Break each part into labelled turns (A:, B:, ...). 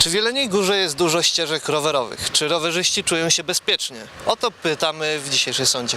A: Czy w Jeleniej Górze jest dużo ścieżek rowerowych? Czy rowerzyści czują się bezpiecznie? O to pytamy w dzisiejszej sądzie.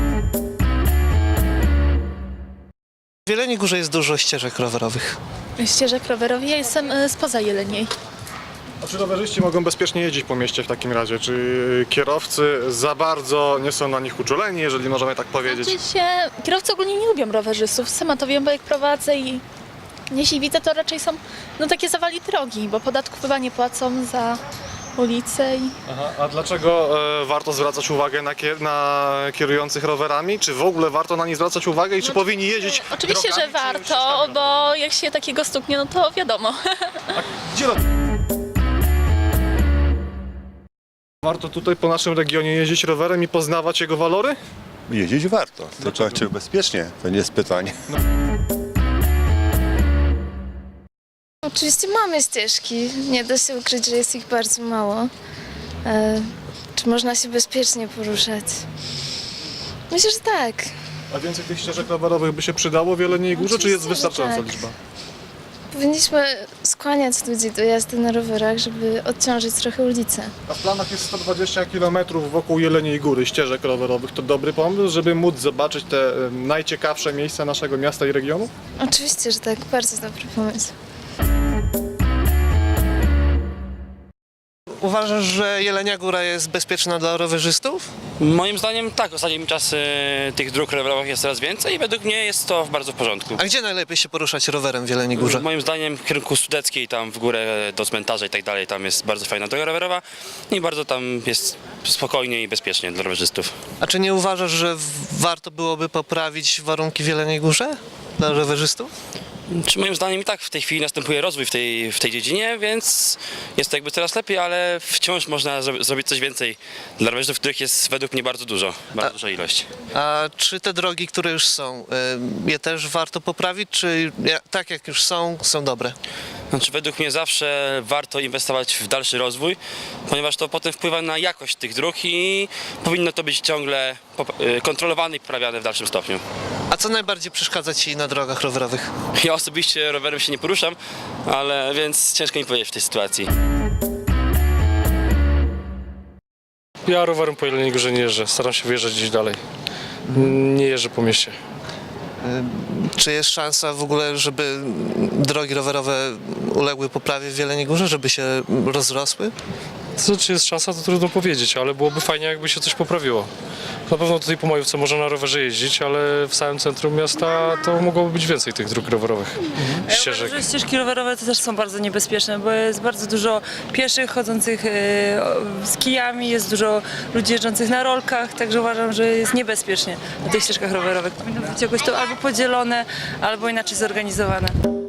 A: W Jeleniej Górze jest dużo ścieżek rowerowych.
B: Ścieżek rowerowych. Ja jestem spoza Jeleniej.
C: A czy rowerzyści mogą bezpiecznie jeździć po mieście w takim razie? Czy kierowcy za bardzo nie są na nich uczuleni, jeżeli możemy tak powiedzieć?
B: Kierowcy ogólnie nie lubią rowerzystów. Sama to wiem, bo jak prowadzę i jeśli widzę, to raczej są takie zawali drogi, bo podatków chyba nie płacą za ulicę.
C: Aha, a dlaczego warto zwracać uwagę na kierujących rowerami? Czy w ogóle warto na nich zwracać uwagę i czy powinni jeździć
B: Oczywiście,
C: drogami,
B: że
C: czy
B: warto,
C: ścieżkami
B: bo jak się takiego stuknie, no to wiadomo.
C: Gdzie warto tutaj po naszym regionie jeździć rowerem i poznawać jego walory?
D: Jeździć warto, tylko czy bezpiecznie, to nie jest pytanie.
E: Oczywiście mamy ścieżki, nie da się ukryć, że jest ich bardzo mało. Czy można się bezpiecznie poruszać? Myślę, że tak.
C: A więcej tych ścieżek rowerowych by się przydało w Jeleniej Górze, czy jest
E: Oczywiście, że
C: wystarczająca
E: tak.
C: liczba?
E: Powinniśmy skłaniać ludzi do jazdy na rowerach, żeby odciążyć trochę ulicę.
C: A w planach jest 120 km wokół Jeleniej Góry ścieżek rowerowych. To dobry pomysł, żeby móc zobaczyć te najciekawsze miejsca naszego miasta i regionu?
E: Oczywiście, że tak. Bardzo dobry pomysł.
A: Uważasz, że Jelenia Góra jest bezpieczna dla rowerzystów?
F: Moim zdaniem tak, ostatnim czasy tych dróg rowerowych jest coraz więcej i według mnie jest to bardzo w porządku.
A: A gdzie najlepiej się poruszać rowerem w Jeleniej Górze?
F: Moim zdaniem w kierunku Sudeckiej, tam w górę do cmentarza i tak dalej, tam jest bardzo fajna droga rowerowa i bardzo tam jest spokojnie i bezpiecznie dla rowerzystów.
A: A czy nie uważasz, że warto byłoby poprawić warunki w Jeleniej Górze dla rowerzystów?
F: Czy moim zdaniem i tak w tej chwili następuje rozwój w tej dziedzinie, więc jest to jakby coraz lepiej, ale wciąż można zrobić coś więcej dla rowerzystów, których jest według mnie bardzo dużo, bardzo duża ilość.
A: A czy te drogi, które już są, je też warto poprawić, czy tak jak już są dobre?
F: Znaczy według mnie zawsze warto inwestować w dalszy rozwój, ponieważ to potem wpływa na jakość tych dróg i powinno to być ciągle kontrolowane i poprawiane w dalszym stopniu.
A: A co najbardziej przeszkadza Ci na drogach rowerowych?
F: Ja osobiście rowerem się nie poruszam, ale więc ciężko mi powiedzieć w tej sytuacji.
G: Ja rowerem po Jeleniej Górze nie jeżdżę, staram się wyjeżdżać gdzieś dalej. Nie jeżdżę po mieście.
A: Czy jest szansa w ogóle, żeby drogi rowerowe uległy poprawie w Jeleniej Górze, żeby się rozrosły?
G: Co, czy jest szansa, to trudno powiedzieć, ale byłoby fajnie, jakby się coś poprawiło. Na pewno tutaj po Majówce można na rowerze jeździć, ale w samym centrum miasta to mogłoby być więcej tych dróg rowerowych, ścieżek.
H: Że ścieżki rowerowe to też są bardzo niebezpieczne, bo jest bardzo dużo pieszych chodzących z kijami, jest dużo ludzi jeżdżących na rolkach, także uważam, że jest niebezpiecznie na tych ścieżkach rowerowych. Powinno być jakoś to albo podzielone, albo inaczej zorganizowane.